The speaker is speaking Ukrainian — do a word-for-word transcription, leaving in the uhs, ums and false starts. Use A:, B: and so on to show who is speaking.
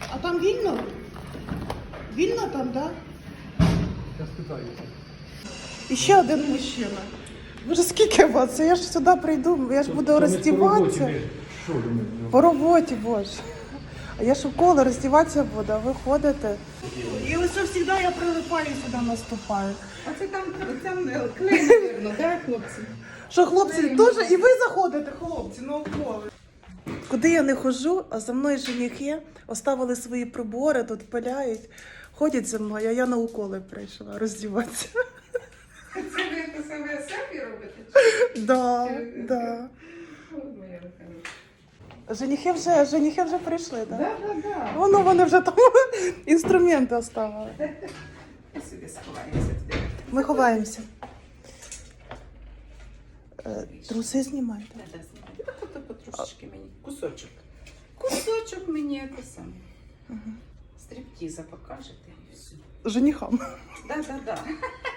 A: А там вільно? Вільно там, так?
B: Я спитаю.
A: І ще один мужчина. Боже, скільки вас? Я ж сюди прийду, я ж буду роздіватися.
B: Що думаєте?
A: По роботі, боже. А я ж у коло роздіватися буду, а ви ходите. І ось завжди я прилипаю сюди наступаю.
C: А це там, там клей, напевно, так, хлопці?
A: Що, хлопці, теж і ви заходите, хлопці, на уколи. Куди я не ходжу, а за мною женихи оставили свої прибори, тут пиляють, ходять за мною, а я на уколи прийшла роздіватися.
C: Це ви, це ви самі робите?
A: Да, да.
C: Моя хороша.
A: Женихи вже, женихи вже прийшли, так?
C: Да, да, да.
A: Воно вони вже там інструменти оставили.
C: Сюди сховаємося.
A: Ми ховаємося. Е, Труси знімайте.
C: Да, да, знімайте. Так ото потрошечки мені. Кусочок. Кусочок мені це саме.
A: Угу.
C: Стріптіза покажете і все.
A: Женихам.
C: Да, да, да.